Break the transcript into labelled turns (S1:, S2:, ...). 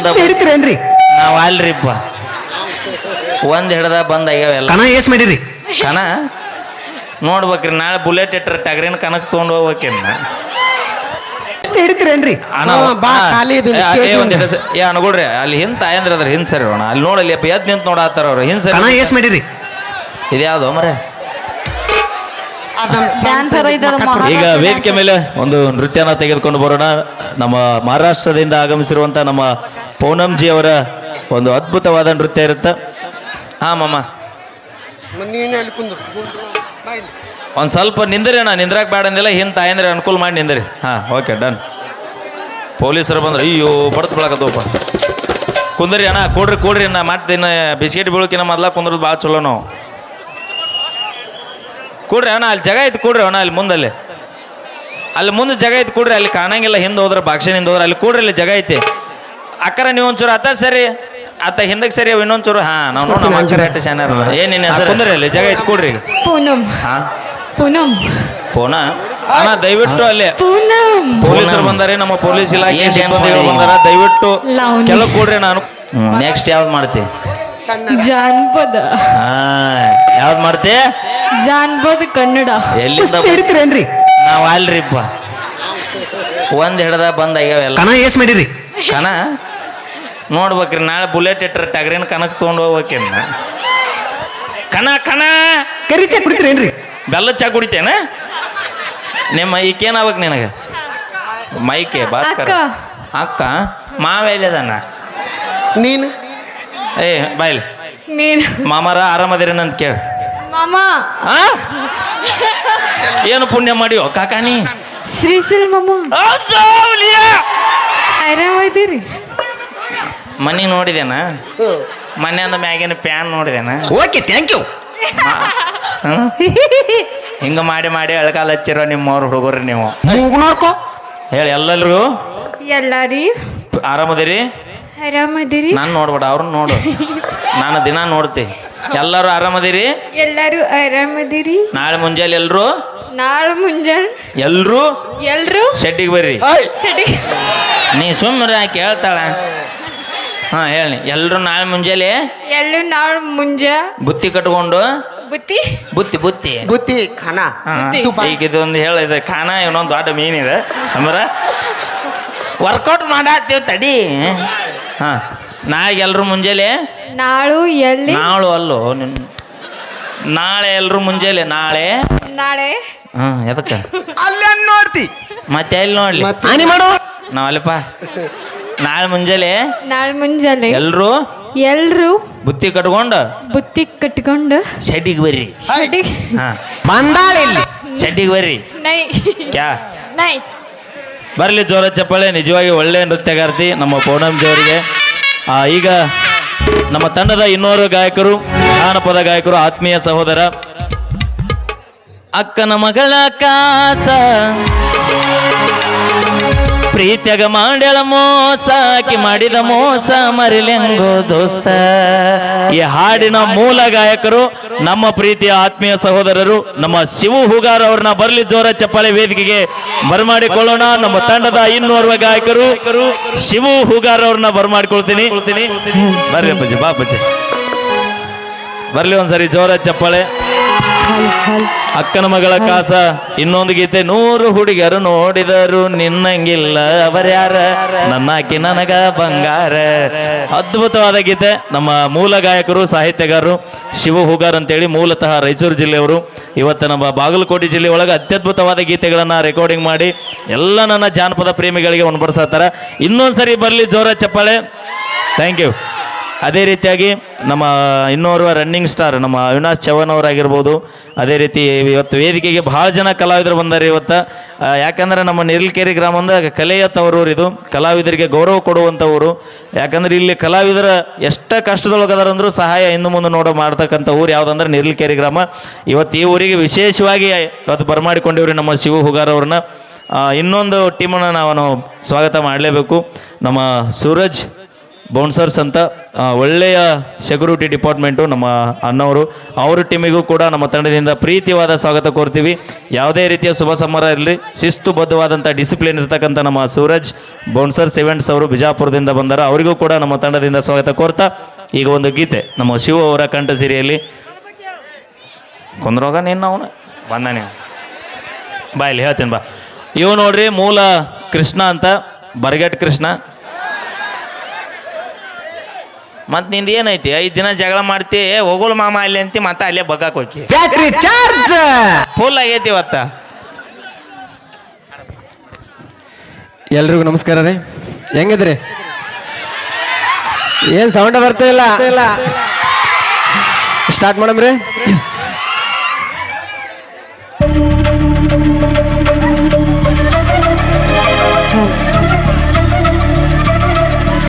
S1: ಹಿಡಿತೀರೇನ್ರಿ?
S2: ನಾವ್ ಅಲ್ರಿಪ್ಪ ಒಂದ್ ಹಿಡ್ದ ಬಂದ್ ಆಗ್ಯಾವೆಲ್ಲ
S1: ಕಣ ಏಸ್ ಮಾಡಿರಿ?
S2: ಕಣ ನೋಡ್ಬೇಕ್ರಿ ನಾಳೆ ಬುಲೆಟ್ ಇಟ್ಟರೆ ಟಗರಿನ ಕನಕ್ ತೊಗೊಂಡು ಹೋಗ್ಬೇಕೇನ
S1: ಹಿಡಿತೀರೇನ್ರಿ?
S2: ಅಣ್ಣ
S3: ಬಾ ಖಾಲಿ ಇದು
S2: ಏ ಅನ್ಕೊಡ್ರಿ ಅಲ್ಲಿ ಹಿಂದ್ ತಾಯಂದ್ರ ಅದ್ರ ಹಿಂದ್ ಸರಿ ಅಣ್ಣ ಅಲ್ಲಿ ನೋಡಲ್ಲಿ ಎದ್ ನಿಂತ ನೋಡತ್ತಾರ ಅವ್ರು ಹಿಂದ್
S1: ಕಣ
S2: ಸರಿ
S1: ಏಸ್ ಮಾಡಿರಿ?
S2: ಇದ್ಯಾವ್ದು ಮರೆ
S4: ಡ್ಯಾನ್ಸರ್
S2: ಈಗ ವೇದಿಕೆ ಮೇಲೆ ಒಂದು ನೃತ್ಯನ ತೆಗೆದುಕೊಂಡು ಬರೋಣ. ನಮ್ಮ ಮಹಾರಾಷ್ಟ್ರದಿಂದ ಆಗಮಿಸಿರುವಂತ ನಮ್ಮ ಪೂನಂಜಿ ಅವರ ಒಂದು ಅದ್ಭುತವಾದ ನೃತ್ಯ ಇರುತ್ತೆ. ಹಾ ಮಮ್ಮ ಒಂದ್ ಸ್ವಲ್ಪ ನಿಂದ್ರಿ ಅಣ್ಣ, ನಿಂದ್ರಾಕ್ ಬೇಡ ಅಂದಿಲ್ಲ, ಹಿಂದ್ ತಾಯಂದ್ರೆ ಅನುಕೂಲ ಮಾಡಿ ನಿಂದ್ರಿ. ಹಾ ಓಕೆ ಡನ್. ಪೊಲೀಸರು ಬಂದ್ರೆ ಅಯ್ಯೋ ಬಡತ್ ಬಿಳಕತ್ತಪ್ಪ. ಕುಂದ್ರಿ ಅಣ್ಣ, ಕೊಡ್ರಿ ಅಣ್ಣ, ಮತ್ತೆ ಬಿಸ್ಕೆಟ್ ಬೀಳಕಿನ ಮೊದ್ಲ ಕುಂದ್ರದ್ ಭಾಳ ಚಲೋ ನಾವು. ಕೊಡ್ರಿ ಅಣ್ಣ, ಅಲ್ಲಿ ಜಾಗ ಐತಿ ಕೊಡ್ರಿ ಅಣ್ಣ, ಅಲ್ಲಿ ಮುಂದಲ್ಲಿ ಅಲ್ಲಿ ಮುಂದೆ ಜಾಗ ಐತಿ ಕೊಡ್ರಿ, ಅಲ್ಲಿ ಕಾಣಂಗಿಲ್ಲ. ಹಿಂದೆ ಹೋದ್ರೆ ಬಾಕ್ಷನಿಂದ ಹೋದ್ರೆ ಅಲ್ಲಿ ಕೊಡ್ರಿ, ಅಲ್ಲಿ ಜಾಗ ಐತಿ. ಅಕ್ಕರ ನೀವು ಒಂಚೂರು ಅತ್ತ ಸರಿ, ಅತ್ತ ಹಿಂದಕ್ಕೆ ಸರಿ, ಇನ್ನೊಂಚೂರು. ಹಾ ನಾವು ನೋಡೋಣ ಶಾನ್ಯಾರ ಏನ್ ನಿನ್ನ ಹೆಸರು? ಕುಂದ್ರಿ ಅಲ್ಲಿ ಜಾಗ ಐತಿ ಕೊಡ್ರಿ.
S4: ಪೂನಂ.
S2: ಹಾ
S4: ಪೂನಂ
S2: ಪೋನ ಅಣ್ಣ ದಯವಿಟ್ಟು ಅಲ್ಲಿ
S4: ಪೂನಂ
S2: ಪೊಲೀಸರು ಬಂದಾರೆ, ನಮ್ಮ ಪೊಲೀಸ್ ಇಲಾಖೆ ಸಿಬ್ಬಂದಿಗಳು ಬಂದಾರ, ದಯವಿಟ್ಟು ಕೆಳಗೆ ಕೊಡ್ರಿ. ನಾನು ನೆಕ್ಸ್ಟ್ ಯಾವ್ದು ಮಾಡ್ತಿ?
S4: ಜಾನಪದ.
S2: ಹಾ ಯಾವ್ದು ಮಾಡ್ತಿ?
S4: ಜಾನಪದ ಕನ್ನಡ.
S2: ಎಲ್ಲಿಂದ
S1: ಹಿಡಿತೀರೇನ್ರಿ?
S2: ನಾವ್ ಅಲ್ರಿಪ್ಪ ಒಂದ್ ಹಿಡ್ದ ಬಂದ್ ಆಗ್ಯಾವೆಲ್ಲ
S1: ಕಣ ಏಸ್ ಮಾಡಿರಿ?
S2: ಕಣ ನೋಡ್ಬೇಕ್ರಿ ನಾಳೆ ಬುಲೆಟ್ ಇಟ್ಟರೆ ಟಗರಿನ ಕನಕ್ ತೊಗೊಂಡು ಹೋಗ್ಬೇಕೇನ ಕಣ ಕಣ
S1: ಕರಿ ಚಾ ಕುಡಿತೀರೇನ್ರಿ?
S2: ಬೆಲ್ಲ ಚಾ ಕುಡಿತೇನ? ನಿಮ್ಮ ಈಕೇನಾಗ್ಬೇಕು ನಿನಗೆ? ಮೈಕೆ ಭಾಸ್ಕರ ಅಕ್ಕ ಮಾವ ಎಲ್ಲಿದಾನ?
S3: ನೀನು
S2: ಏ ಬಾಯ್ಲಿ
S4: ನೀನು
S2: ಮಾಮಾರ ಆರಾಮದಿರೇನಂತ ಕೇಳ.
S4: ಮಾಮ
S2: ಆ ಏನು ಪುಣ್ಯ ಮಾಡಿಯೋ ಕಾಕಾನಿ?
S4: ಶ್ರೀಶೈಲ್ ಮಾಮ ಆರಾಮದಿರಿ?
S2: ಮನಿ ನೋಡಿದೇನ? ಮನೆ ಅಂದ ಮ್ಯಾಗಿನ ಪ್ಯಾನ್ ನೋಡಿದೇನ?
S1: Okay thank you.
S2: ಹಿಂಗ ಮಾಡಿ ಮಾಡಿ ಎಳ್ಕಾಲ ಹಚ್ಚಿರೋ ನಿಮ್ಮವ್ರ ಹುಡುಗರು ನೀವು.
S1: ಮೂಗು ನೋಡ್ಕೋ.
S2: ಹೇಳಿ ಎಲ್ಲರಿಗೂ
S4: ಎಲ್ಲಾರಿ
S2: ಆರಾಮದಿರಿ?
S4: ಆರಾಮದಿರಿ?
S2: ನಾನು ನೋಡ್ಬೇಡ ಅವ್ರನ್ನ ನೋಡು, ನಾನು ದಿನ ನೋಡ್ತಿ. ಎಲ್ಲರೂ ಆರಾಮದಿರಿ?
S4: ಎಲ್ಲಾರು ಆರಾಮದಿರಿ?
S2: ನಾಳೆ ಮುಂಜಾನೆ ಎಲ್ರು
S4: ನಾಳೆ ಮುಂಜಾನೆ ಎಲ್ರು
S2: ಶೆಡ್ಡಿಗೆ ಬರ್ರಿ.
S4: ಶೆಡಿ
S2: ನೀ ಸುಮ್ಮನೆ ಕೇಳ್ತಾಳ. ಹಾ ಹೇಳಿ. ಎಲ್ರು ನಾಳೆ ಮುಂಜಾನೆ
S4: ಎಲ್ಲೂ ನಾಳೆ ಮುಂಜಾ
S2: ಬುತ್ತಿ ಕಟ್ಕೊಂಡು
S4: ಬುತ್ತಿ
S2: ಬುತ್ತಿ ಬುತ್ತಿ
S3: ಬುತ್ತಿ ಖಾನ
S2: ಈಗ ಇದೊಂದು ಹೇಳಿದೆ ಖಾನ, ಇನ್ನೊಂದು ದೊಡ್ಡ ಮೀನಿದೆ ಸಮರ ವರ್ಕೌಟ್ ಮಾಡತ್ತೀವಿ ತಡಿ. ಹಾ ನಾಳೆಗೆ ಎಲ್ರು ಮುಂಜಾನೆ
S4: ನಾಳು ಎಲ್ಲಿ
S2: ನಾಳು ಅಲ್ಲೋ ನಾಳೆ ಎಲ್ರು ಮುಂಜಾನೆ ನಾಳೆ ಹಾ ಎದಕ್ಕ
S1: ಅಲ್ಲೇ ನೋಡ್ತಿ
S2: ಮತ್ತೆ ಎಲ್ಲಿ ನೋಡ್ಲಿ
S1: ಹಾನಿ ಮಾಡು.
S2: ನಾವಲ್ಲಪ್ಪ ನಾಳೆ ಮುಂಜಾನೆ ಎಲ್ರು ಬುತ್ತಿ ಕಟ್ಕೊಂಡು ಶೆಡ್ಡಿಗೆ ಬರ್ರಿ. ಹಾ
S1: ಬಂದಾಳೆ ಇಲ್ಲಿ.
S2: ಶೆಡ್ಡಿಗೆ ಬರ್ರಿ.
S4: ನೈ
S2: ಕ್ಯಾ
S4: ನೈ
S2: ಬರಲಿ ಜೋರ ಚಪ್ಪಾಳೆ. ನಿಜವಾಗಿ ಒಳ್ಳೆ ನೃತ್ಯಗಾರ್ತಿ ನಮ್ಮ ಪೂನಂಜಿ ಅವರಿಗೆ. ಈಗ ನಮ್ಮ ತಂಡದ ಇನ್ನೋರು ಗಾಯಕರು, ಜಾನಪದ ಗಾಯಕರು, ಆತ್ಮೀಯ ಸಹೋದರ ಅಕ್ಕನ ಮಗಳ ಕಾಸ ಪ್ರೀತ್ಯಾಗ ಮಾಡ್ಯಾಳ ಮೋಸ, ಆಕಿ ಮಾಡಿದ ಮೋಸ ಮರಿಲೆಂಗೋ ದೋಸ್ತ. ಈ ಹಾಡಿನ ಮೂಲ ಗಾಯಕರು ನಮ್ಮ ಪ್ರೀತಿಯ ಆತ್ಮೀಯ ಸಹೋದರರು ನಮ್ಮ ಶಿವು ಹೂಗಾರ್ ಅವ್ರನ್ನ ಬರಲಿ ಜೋರ ಚಪ್ಪಾಳೆ ವೇದಿಕೆಗೆ ಬರಮಾಡಿಕೊಳ್ಳೋಣ. ನಮ್ಮ ತಂಡದ ಇನ್ನೋರ್ವ ಗಾಯಕರು ಶಿವು ಹೂಗಾರ್ ಅವ್ರನ್ನ ಬರಮಾಡಿಕೊಳ್ತೀನಿ. ಬರ್ರಿ ಅಪ್ಪಾಜಿ, ಬಾ ಅಪ್ಪಾಜಿ, ಬರ್ಲಿ ಒಂದ್ಸರಿ ಜೋರ ಚಪ್ಪಾಳೆ. ಅಕ್ಕನ ಮಗಳ ಕಾಸ ಇನ್ನೊಂದು ಗೀತೆ. 100 ಹುಡುಗರು ನೋಡಿದರು ನಿನ್ನಂಗಿಲ್ಲ ಅವರ್ಯಾರ, ನನ್ನಾಕಿ ನನಗ ಬಂಗಾರ. ಅದ್ಭುತವಾದ ಗೀತೆ. ನಮ್ಮ ಮೂಲ ಗಾಯಕರು ಸಾಹಿತ್ಯಗಾರರು ಶಿವು ಹೂಗಾರ್ ಅಂತೇಳಿ, ಮೂಲತಃ ರಾಯಚೂರು ಜಿಲ್ಲೆಯವರು. ಇವತ್ತು ನಮ್ಮ ಬಾಗಲಕೋಟೆ ಜಿಲ್ಲೆ ಒಳಗೆ ಅತ್ಯದ್ಭುತವಾದ ಗೀತೆಗಳನ್ನು ರೆಕಾರ್ಡಿಂಗ್ ಮಾಡಿ ಎಲ್ಲ ನನ್ನ ಜಾನಪದ ಪ್ರೇಮಿಗಳಿಗೆ ಉಣಬಡಿಸತ್ತಾರ. ಇನ್ನೊಂದ್ಸರಿ ಬರಲಿ ಜೋರ ಚಪ್ಪಾಳೆ. Thank you. ಅದೇ ರೀತಿಯಾಗಿ ನಮ್ಮ ಇನ್ನೋರ್ವ ರನ್ನಿಂಗ್ ಸ್ಟಾರ್ ನಮ್ಮ ಅವಿನಾಶ್ ಚೌಹಾಣ್ ಅವರಾಗಿರ್ಬೋದು. ಅದೇ ರೀತಿ ಇವತ್ತು ವೇದಿಕೆಗೆ ಭಾಳ ಜನ ಕಲಾವಿದರು ಬಂದಾರೆ ಇವತ್ತು. ಯಾಕಂದರೆ ನಮ್ಮ ನಿರ್ಲ್ಕೆರೆ ಗ್ರಾಮದ ಕಲೆಯ ತವರೂರು ಇದು. ಕಲಾವಿದರಿಗೆ ಗೌರವ ಕೊಡುವಂಥ ಊರು. ಯಾಕಂದ್ರೆ ಇಲ್ಲಿ ಕಲಾವಿದರ ಎಷ್ಟ ಕಷ್ಟದೊಳಗದಾರಂದ್ರೂ ಸಹಾಯ ಹಿಂದೆ ಮುಂದೆ ನೋಡೋ ಮಾಡ್ತಕ್ಕಂಥ ಊರು ಯಾವುದಂದ್ರೆ ನಿರ್ಲ್ಕೆರೆ ಗ್ರಾಮ. ಇವತ್ತು ಈ ಊರಿಗೆ ವಿಶೇಷವಾಗಿ ಇವತ್ತು ಬರಮಾಡಿಕೊಂಡಿವ್ರಿ ನಮ್ಮ ಶಿವು ಹೂಗಾರ್ ಅವ್ರನ್ನ. ಇನ್ನೊಂದು ಟೀಮನ್ನು ನಾವು ಸ್ವಾಗತ ಮಾಡಲೇಬೇಕು. ನಮ್ಮ ಸೂರಜ್ ಬೌನ್ಸರ್ಸ್ ಅಂತ ಒಳ್ಳೆಯ ಸೆಕ್ಯೂರಿಟಿ ಡಿಪಾರ್ಟ್ಮೆಂಟು ನಮ್ಮ ಅಣ್ಣವರು. ಅವ್ರ ಟೀಮಿಗೂ ಕೂಡ ನಮ್ಮ ತಂಡದಿಂದ ಪ್ರೀತಿವಾದ ಸ್ವಾಗತ ಕೋರ್ತೀವಿ. ಯಾವುದೇ ರೀತಿಯ ಶುಭ ಸಮಾರಂಭ ಇರಲಿ, ಶಿಸ್ತುಬದ್ಧವಾದಂಥ ಡಿಸಿಪ್ಲಿನ್ ಇರ್ತಕ್ಕಂಥ ನಮ್ಮ ಸೂರಜ್ ಬೌನ್ಸರ್ಸ್ ಇವೆಂಟ್ಸ್ ಅವರು ಬಿಜಾಪುರದಿಂದ ಬಂದಾರ. ಅವರಿಗೂ ಕೂಡ ನಮ್ಮ ತಂಡದಿಂದ ಸ್ವಾಗತ ಕೋರ್ತಾ ಈಗ ಒಂದು ಗೀತೆ ನಮ್ಮ ಶಿವ ಅವರ ಕಂಠ ಸಿರಿಯಲ್ಲಿ ಕೊಂದ್ರೋಗ ನೀನು ಅವನು ಬಂದ ನೀವು ಬಾ ಇಲ್ಲಿ ಹೇಳ್ತೀನಿ ಬಾ. ಇವು ನೋಡ್ರಿ ಮೂಲ ಕೃಷ್ಣ ಅಂತ, ಬರಗಟ್ ಕೃಷ್ಣ. ಮತ್ತು ನಿಂದು ಏನೈತಿ 5 ದಿನ ಜಗಳ ಮಾಡ್ತಿ, ಹೋಗೋಳು ಮಾಮ ಅಲ್ಲಿ ಅಂತಿ, ಮತ್ತೆ ಅಲ್ಲೇ ಬಗ್ಗಾಕ್ ಹೋಗಿ
S1: ಬ್ಯಾಟ್ರಿ ಚಾರ್ಜ್
S2: ಫುಲ್ ಆಗೈತಿ ಇವತ್ತ.
S5: ಎಲ್ರಿಗೂ ನಮಸ್ಕಾರ ರೀ. ಹೆಂಗಿದ್ರಿ? ಏನ್ ಸೌಂಡ್ ಬರ್ತಾ ಇಲ್ಲ. ಸ್ಟಾರ್ಟ್ ಮಾಡಮ್ರಿ.